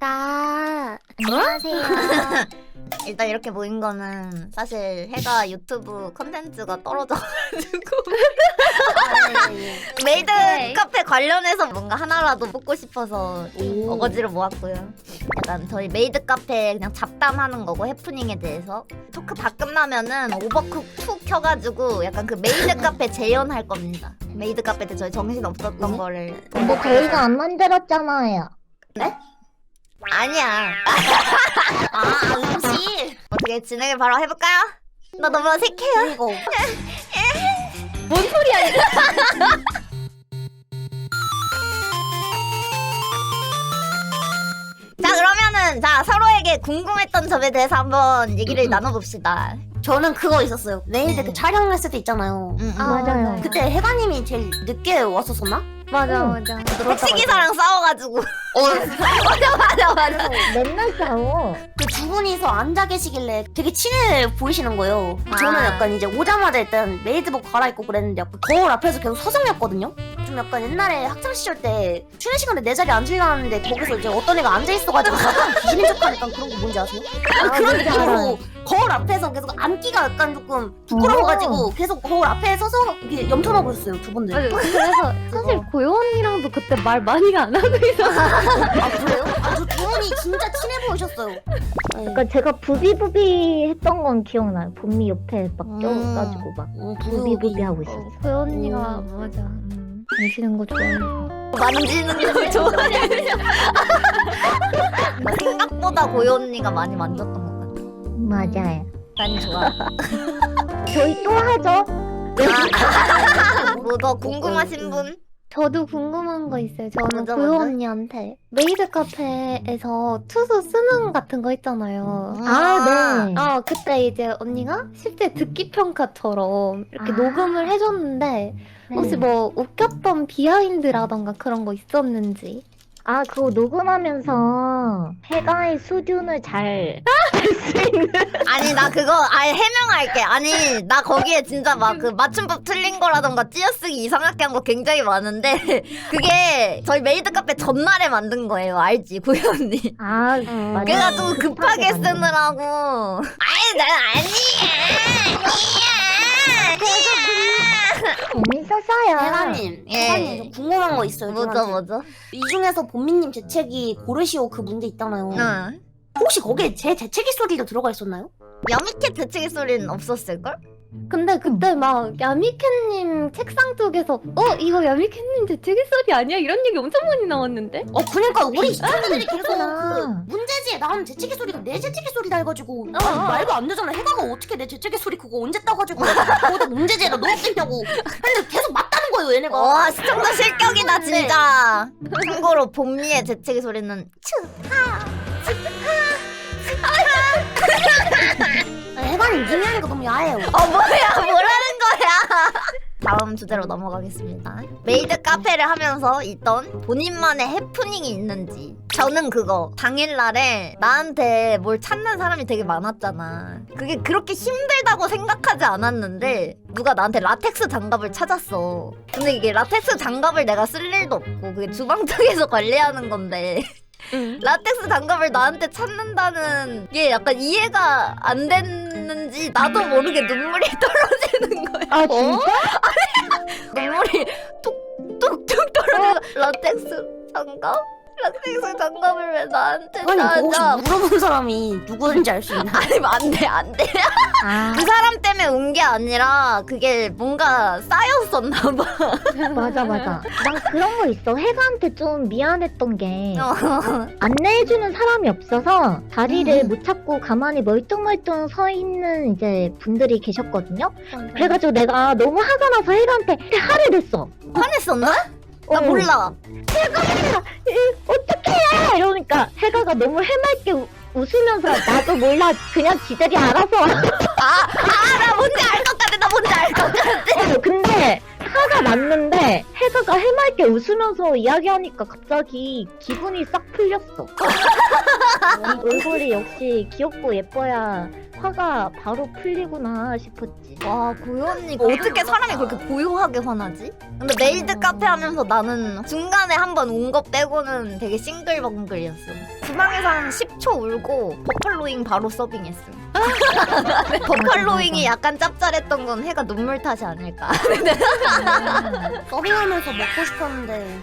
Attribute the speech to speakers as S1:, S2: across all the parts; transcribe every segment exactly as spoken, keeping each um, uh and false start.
S1: 아, 안녕하세요.
S2: 일단 이렇게 모인 거는 사실 해가 유튜브 컨텐츠가 떨어져가지고 메이드
S1: 네.
S2: 카페 관련해서 뭔가 하나라도 뽑고 싶어서
S1: 오.
S2: 어거지로 모았고요. 약간 저희 메이드 카페 그냥 잡담하는 거고 해프닝에 대해서 토크 다 끝나면은 오버쿡 투 켜가지고 약간 그 메이드 카페 재연할 겁니다. 메이드 카페 때 저희 정신 없었던
S1: 네?
S2: 거를
S1: 뭐 저희가 안 만들었잖아요.
S2: 아니야. 아, 음식. 어떻게 진행을 바로 해볼까요? 나 너무 어색해요.
S1: 이거. 뭔 소리야 이거?
S2: 자, 그러면은 자 서로에게 궁금했던 점에 대해서 한번 얘기를 나눠봅시다.
S3: 저는 그거 있었어요. 메이드
S2: 음.
S3: 그 촬영했을 때 있잖아요.
S2: 응, 응.
S1: 아, 맞아요.
S3: 그때 해가님이 제일 늦게 왔었었나?
S1: 맞아
S2: 응.
S1: 맞아.
S2: 택시기사랑 싸워가지고.
S3: 어,
S2: 맞아, 맞아, 맞아.
S1: 맨날 싸워.
S3: 그 두 분이서 앉아 계시길래 되게 친해 보이시는 거예요.
S2: 아.
S3: 저는 약간 이제 오자마자 일단 메이드복 갈아입고 그랬는데 약간 거울 앞에서 계속 서성였거든요. 좀 약간 옛날에 학창 시절 때 쉬는 시간에 내 자리에 앉으려는데 거기서 이제 어떤 애가 앉아 있어가지고 약간 귀신인 척하니까 그런 거 뭔지 아세요?
S1: 아,
S3: 그런
S1: 뭔지 알아요.
S3: 느낌으로 거울 앞에서 계속 앉기가 약간 조금 부끄러워가지고 계속 거울 앞에 서서 이렇게 염탐하고 있었어요 두 분들.
S4: 맞아요. 그래서 사실 고요 언니랑도 그때 말 많이 안 하고 있었어요.
S3: 아 그래요? 아저 두 분이 진짜 친해 보이셨어요. 네.
S1: 그러니까 제가 부비부비 했던 건 기억나요. 봄미 옆에 막
S2: 음.
S1: 껴가지고 막
S3: 음,
S1: 부비부비 하고 있었어.
S4: 고요 언니가
S3: 음.
S4: 맞아. 음, 만지는 거 좋아해서.
S2: 만지는 걸 좋아해. 나 생각보다 고요 언니가 많이 만졌던 것 같아.
S1: 맞아요.
S2: 난 좋아.
S1: 저희 또 하죠.
S2: 뭐 더 궁금하신 분?
S4: 저도 궁금한 거 있어요. 저는
S2: 먼저,
S4: 고요
S2: 먼저?
S4: 언니한테 메이드 카페에서 투수 쓰는 같은 거 있잖아요.
S1: 아 네.
S4: 아 그때 이제 언니가 실제 듣기 평가처럼 이렇게
S1: 아.
S4: 녹음을 해줬는데 혹시 뭐 웃겼던 비하인드라던가 그런 거 있었는지.
S1: 아 그거 녹음하면서 해가의 수준을 잘
S2: 아니 나 그거 아예 해명할게. 아니 나 거기에 진짜 막 그 맞춤법 틀린 거라던가 찌어쓰기 이상하게 한 거 굉장히 많은데 그게 저희 메이드 카페 전날에 만든 거예요. 알지 고요 언니?
S1: 아
S3: 음.
S1: 맞아요.
S2: 그래가지고 급하게
S1: 만든 거.
S2: 쓰느라고. 아니 난 아니야.
S1: 재밌었어요.
S3: 해가님,
S2: 예.
S3: 해가님 저 궁금한 거 있어요.
S2: 뭐죠
S3: 저한테.
S2: 뭐죠?
S3: 이 중에서 본미님 재채기 고르시오 그 문제 있잖아요.
S2: 응.
S3: 혹시 거기에 제 재채기 소리도 들어가 있었나요?
S2: 야미캣 대책의 소리는 없었을걸?
S4: 근데 그때 막 야미캣님 책상 쪽에서 어 이거 야미캣님 재채기 소리 아니야? 이런 얘기 엄청 많이 나왔는데?
S3: 어 그러니까 우리 시청자들이 계속 그
S1: 그렇구나.
S3: 문제지에 나온 재채기 소리가 내 재채기 소리다 해가지고
S4: 어,
S3: 아니,
S4: 어.
S3: 말도 안 되잖아. 해가가 어떻게 내 재채기 소리 그거 언제 따가지고 거기다 문제지에다 넣었겠냐고. 근데 계속 맞다는 거예요 얘네가.
S2: 와 시청자 실격이다
S3: 네.
S2: 진짜. 참고로 봄미의 재채기 소리는
S3: 해가님 님이 하니까 너무 야해요.
S2: 어 뭐야 뭐라는 거야. 다음 주제로 넘어가겠습니다. 메이드 카페를 하면서 있던 본인만의 해프닝이 있는지. 저는 그거 당일날에 나한테 뭘 찾는 사람이 되게 많았잖아. 그게 그렇게 힘들다고 생각하지 않았는데 누가 나한테 라텍스 장갑을 찾았어. 근데 이게 라텍스 장갑을 내가 쓸 일도 없고 그게 주방 쪽에서 관리하는 건데 라텍스 장갑을 나한테 찾는다는 게 약간 이해가 안 됐는지 나도 모르게 눈물이 떨어지는 거야.
S1: 아 진짜?
S2: 눈물이 뚝뚝뚝 떨어져. 라텍스 장갑? 라텍스 장갑을 왜 나한테
S3: 해가님 그거
S2: 찾아?
S3: 혹시 물어본 사람이 누구인지 알 수 있나요?
S2: 아니 안돼 안돼.
S1: 아
S2: 그 사람 때문에 온 게 아니라 그게 뭔가 쌓였었나 봐.
S1: 맞아 맞아. 난 그런 거 있어. 해가한테 좀 미안했던 게
S2: 어.
S1: 안내해주는 사람이 없어서 자리를
S2: 음.
S1: 못 찾고 가만히 멀뚱멀뚱 서 있는 이제 분들이 계셨거든요. 그래가지고 내가 너무 화가 나서 해가한테 화를 냈어.
S2: 화냈었나? 나
S1: 어.
S2: 몰라.
S1: 어떡해! 이러니까 해가가 너무 해맑게 우- 웃으면서 나도 몰라 그냥 지들이 알아서
S2: 아, 아, 나 뭔지 알 것 같아. 나 뭔지 알 것 같아.
S1: 어, 근데 화가 났는데 해가가 해맑게 웃으면서 이야기하니까 갑자기 기분이 싹 풀렸어. 이 얼굴이 역시 귀엽고 예뻐야 화가 바로 풀리구나 싶었지.
S2: 와 고요 언니가 어떻게 사람이 그렇게 고요하게 화나지? 근데 메이드 카페 하면서 나는 중간에 한 번 운 거 빼고는 되게 싱글벙글이었어. 주방에서 한 십 초 울고 버팔로잉 바로 서빙했어. 버팔로잉이 약간 짭짤했던 건 해가 눈물 탓이 아닐까.
S3: 서빙하면서 먹고 싶었는데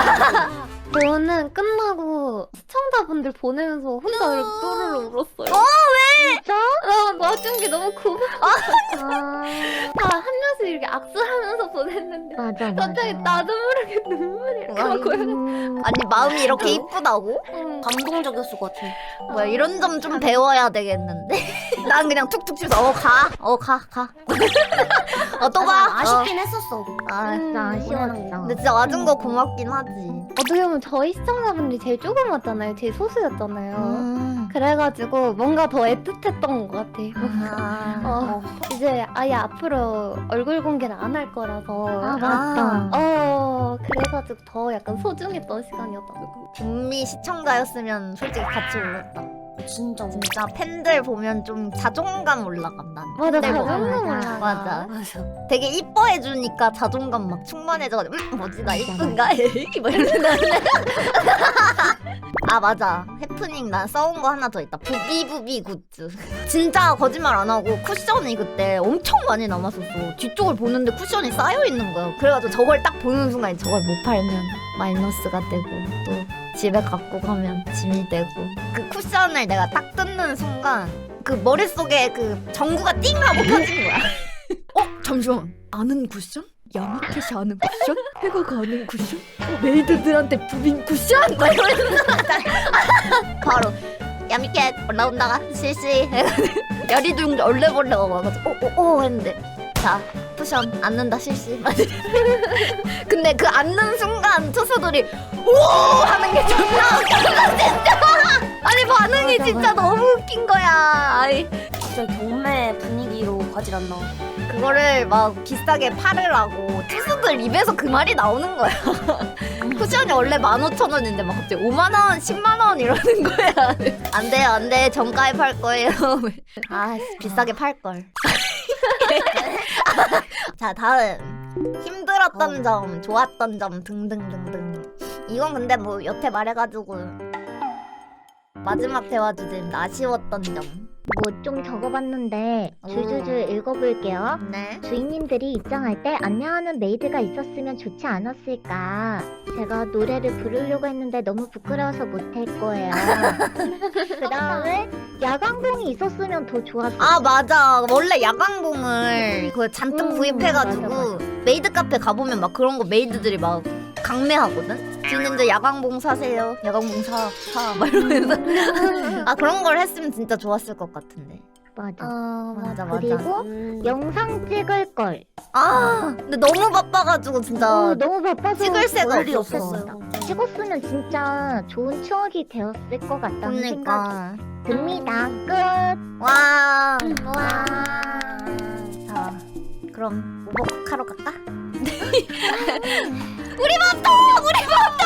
S4: 저는 끝나고 시청자분들 보내면서 혼자 이렇게 또르르 울었어요.
S2: 어,
S1: 진짜?
S4: 나 맞은 게 너무 고마워.
S1: 아,
S4: 다 한 명씩 이렇게 악수하면서 보냈는데
S1: 맞아 맞아.
S4: 갑자기 나도 모르게 눈물이 나고요.
S1: 음,
S2: 아니 마음이 이렇게 이쁘다고?
S4: 응.
S3: 감동적이었을 것 같아.
S2: 뭐야 이런 점 좀 배워야 되겠는데. 난 그냥 툭툭 치면서 어 가, 어 가, 가. 어 또 가.
S3: 아쉽긴 했었어.
S2: 아,
S1: 진짜
S4: 음,
S1: 아쉬웠어.
S2: 근데 진짜 와준 거 고맙긴 하지.
S4: 어떻게 보면 저희 시청자분들이 제일 조그맣잖아요. 제일 소수였잖아요.
S2: 음.
S4: 그래가지고 뭔가 더 애틋했던 것 같아요.
S2: 아.
S4: 어, 이제 아예 앞으로 얼굴 공개를 안 할 거라서
S1: 아 맞다.
S4: 어 그래가지고 더 약간 소중했던 시간이었다고.
S2: 북미 시청자였으면 솔직히 같이 울었다.
S3: 진짜
S2: 진짜 팬들 보면 좀 자존감 올라감 난.
S4: 맞아
S2: 팬들
S1: 맞아,
S2: 보면.
S4: 자존감
S1: 맞아.
S4: 올라가.
S2: 맞아.
S3: 맞아.
S2: 되게 이뻐해주니까 자존감 막 충만해져가지고 음, 뭐지 나 이쁜가? 에이 뭐 이러는데. 아 맞아. 해프닝 나 써온 거 하나 더 있다. 부비부비 굿즈. 진짜 거짓말 안 하고 쿠션이 그때 엄청 많이 남았었어. 뒤쪽을 보는데 쿠션이 쌓여 있는 거야. 그래가지고 저걸 딱 보는 순간 저걸 못 팔면 마이너스가 되고 또 집에 갖고 가면 짐이 되고. 그 쿠션을 내가 딱 뜯는 순간 그 머릿속에 그 전구가 띵 하고 켜진 거야. 어? 잠시만. 아는 쿠션? 야마켓이 아는 쿠션? 해가가 아는 쿠션? 어, 메이드들한테 부빈 쿠션? 막 이러면서 바로 야미켓 올라온다가 실시. 야리둥 얼레벌레가 와가지고 오오오 했는데 자 쿠션 앉는다 실시. 근데 그 앉는 순간 투수들이 오 하는 게 존나 웃겨 진짜. 아니 반응이
S1: 맞아,
S2: 진짜
S1: 맞아.
S2: 너무 웃긴 거야. 아이.
S3: 진짜 경매 분위기로 가질 않나.
S2: 그거를 막 비싸게 팔으라고 투수들 입에서 그 말이 나오는 거야. 쿠션이 원래 만 오천 원인데 막 갑자기 오만 원, 십만 원 이러는 거야. 안 돼요, 안 돼. 정가에 팔 거예요. 아, 비싸게 팔 걸. 자, 다음. 힘들었던 점, 좋았던 점 등등등등. 이건 근데 뭐 여태 말해가지고 마지막 대화 주제는 아쉬웠던 점.
S1: 뭐 좀 적어봤는데 줄줄줄 읽어볼게요.
S2: 네.
S1: 주인님들이 입장할 때 안내하는 메이드가 있었으면 좋지 않았을까. 제가 노래를 부르려고 했는데 너무 부끄러워서 못할 거예요. 그 다음에 야광봉이 있었으면 더 좋았을
S2: 아 맞아. 원래 야광봉을 그 잔뜩
S1: 음,
S2: 구입해가지고
S1: 맞아,
S2: 메이드 카페 가보면 막 그런 거 메이드들이 막 강매하거든. 주인님들 야광봉 사세요. 야광봉 사, 사. 막 이러면서. 아 그런 걸 했으면 진짜 좋았을 것 같은데.
S1: 맞아.
S2: 아 맞아 맞아.
S1: 그리고
S3: 음.
S1: 영상 찍을 걸.
S2: 아 근데 너무 바빠가지고 진짜
S1: 어, 너무 바빠서
S2: 찍을 새가
S3: 볼 일이
S2: 없었어.
S3: 없었어요.
S1: 찍었으면 진짜 좋은 추억이 되었을 것 같다는 생각이
S2: 그러니까.
S1: 듭니다. 끝.
S2: 와.
S1: 와.
S2: 자 그럼 오버쿡하러 갈까? 우리 밥도 우리 밥도